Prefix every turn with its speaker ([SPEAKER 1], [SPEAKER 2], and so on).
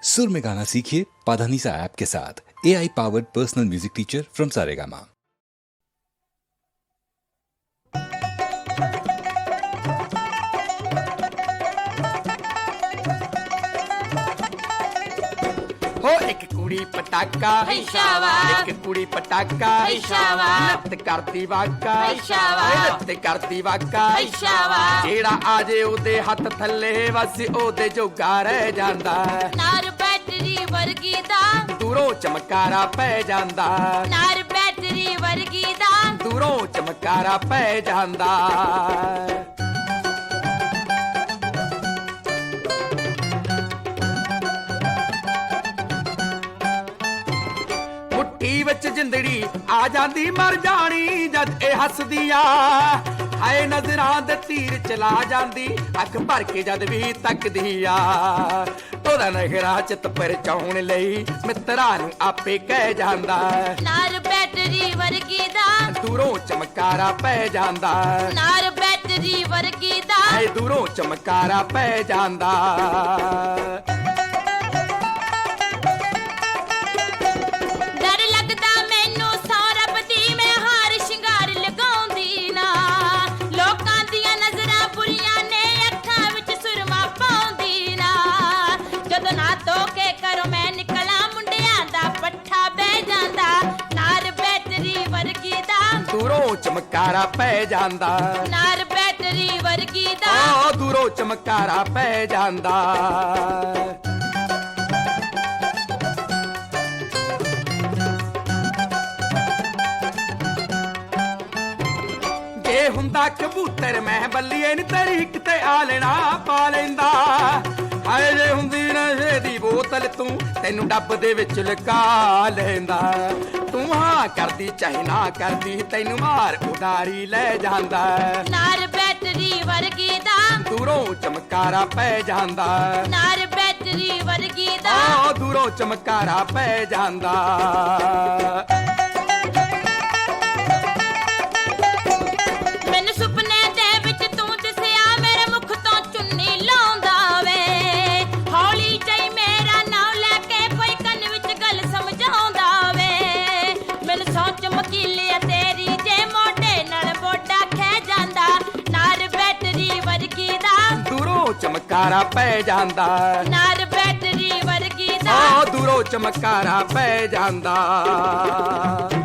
[SPEAKER 1] सुर में गाना सीखिए पाधानीसा ऐप के साथ। AI powered personal music teacher from Saregama.
[SPEAKER 2] हो एक कुड़ी पटाका एक कुड़ी पटाका नृत्य करती वाका नृत्य करती वाका जेड़ा आजे ओदे हथ थल्ले बस ओदे जोगा रह जांदा
[SPEAKER 3] नार बैटरी वर्गी दा
[SPEAKER 2] दूरों चमकारा पै जांदा
[SPEAKER 3] नार बैटरी वर्गी दा
[SPEAKER 2] दूरों चमकारा पै जांदा ਮੁੱਠੀ ਵਿੱਚ ਜਿੰਦੜੀ ਆ ਜਾਂਦੀ ਮਰ ਜਾਣੀ ਜਦ ਇਹ ਹੱਸਦੀ ਆ ਹਾਏ ਨਜ਼ਰਾਂ ਦੇ ਤੀਰ ਚਲਾ ਜਾਂਦੀ ਅੱਖ ਭਰ ਕੇ ਜਦ ਵੀ ਤੱਕਦੀ ਆ ਉਹਦਾ ਨਖਰਾ ਚਿੱਤ ਪਰਚਾਉਣ ਲਈ ਮਿੱਤਰਾਂ ਨੂੰ ਆਪੇ ਕਹਿ ਜਾਂਦਾ
[SPEAKER 3] ਨਾਰ ਬੈਟਰੀ ਵਰਗੀ ਦਾ
[SPEAKER 2] ਦੂਰੋਂ ਚਮਕਾਰਾ ਪੈ ਜਾਂਦਾ
[SPEAKER 3] ਨਾਰ ਬੈਟਰੀ ਵਰਗੀ ਦਾ
[SPEAKER 2] ਹਾਏ ਦੂਰੋਂ ਚਮਕਾਰਾ ਪੈ ਜਾਂਦਾ
[SPEAKER 3] ਡਰ ਲੱਗਦਾ ਮੈਨੂੰ ਸੌਰਭ ਦੀ ਮੈਂ ਹਾਰ ਸ਼ਿੰਗਾਰ ਲਗਾਉਂਦੀ ਨਾ ਲੋਕਾਂ ਦੀਆਂ ਨਜ਼ਰਾਂ ਬੁਰੀਆਂ ਨੇ ਅੱਖਾਂ ਵਿੱਚ ਸੁਰਮਾ ਪਾਉਂਦੀ ਨਾ ਜਦੋਂ ਨਾ ਧੋ ਕੇ ਘਰੋਂ ਮੈਂ ਨਿਕਲਾਂ ਮੁੰਡਿਆਂ ਦਾ ਪੱਠਾ ਬਹਿ ਜਾਂਦਾ ਨਾਰ ਬੈਟਰੀ ਵਰਗੀ ਦਾ
[SPEAKER 2] ਦੂਰੋਂ ਚਮਕਾਰਾ ਪੈ ਜਾਂਦਾ
[SPEAKER 3] ਨਾਰ ਬੈਟਰੀ ਵਰਗੀ ਦਾ
[SPEAKER 2] ਆ ਦੂਰੋਂ ਚਮਕਾਰਾ ਪੈ ਜਾਂਦਾ ਜੇ ਹੁੰਦਾ ਕਬੂਤਰ ਮੈਂ ਬੱਲੀਏ ਨੀ ਤੇਰੀ ਕਿਤੇ ਆ ਲੈਣਾ ਪਾ ਲੈਂਦਾ ਹਾਏ ਜੇ ਹੁੰਦੀ ਨਸ਼ੇ ਦੀ ਬੋਤਲ ਤੂੰ ਤੈਨੂੰ ਡੱਬ ਦੇ ਵਿੱਚ ਲੁਕਾ ਲੈਂਦਾ ਤੂੰ ਹਾਂ ਕਰਦੀ ਚਾਹੇ ਨਾ ਕਰਦੀ ਤੈਨੂੰ ਮਾਰ ਉਡਾਰੀ ਲੈ ਜਾਂਦਾ
[SPEAKER 3] ਨਾਰ ਬੈਟਰੀ ਵਰਗੀ ਦਾ
[SPEAKER 2] ਦੂਰੋਂ ਚਮਕਾਰਾ ਪੈ ਜਾਂਦਾ
[SPEAKER 3] ਨਾਰ ਬੈਟਰੀ ਵਰਗੀ ਦਾ
[SPEAKER 2] ਆ ਦੂਰੋਂ ਚਮਕਾਰਾ ਪੈ ਜਾਂਦਾ
[SPEAKER 3] ਮੈਨੂੰ ਸੁਪਨੇ ਦੇ ਵਿੱਚ ਤੂੰ ਦਿਸਿਆ ਮੇਰੇ ਮੁਖ ਤੋਂ ਚੁੰਨੀ ਲਾਉਂਦਾ ਵੇ ਹੌਲੀ ਜਿਹੀ ਮੇਰਾ ਨਾਮ ਲੈ ਕੇ ਕੋਈ ਕੰਨ ਵਿੱਚ ਗੱਲ ਸਮਝਾਉਂਦਾ ਵੇ ਮੈਨੂੰ ਸੋਚ ਮਕੀਲਿਆ ਤੇਰੀ ਜੇ ਮੋਢੇ ਨਾਲ ਬੋਡਾ ਖਹਿ ਜਾਂਦਾ ਨਾਰ ਬੈਟਰੀ ਵਰਗੀ ਦਾ
[SPEAKER 2] ਦੂਰੋਂ ਚਮਕਾਰਾ ਪੈ ਜਾਂਦਾ
[SPEAKER 3] ਨਾਰ ਬੈਟਰੀ ਵਰਗੀ ਦਾ
[SPEAKER 2] ਆ ਦੂਰੋਂ ਚਮਕਾਰਾ ਪੈ ਜਾਂਦਾ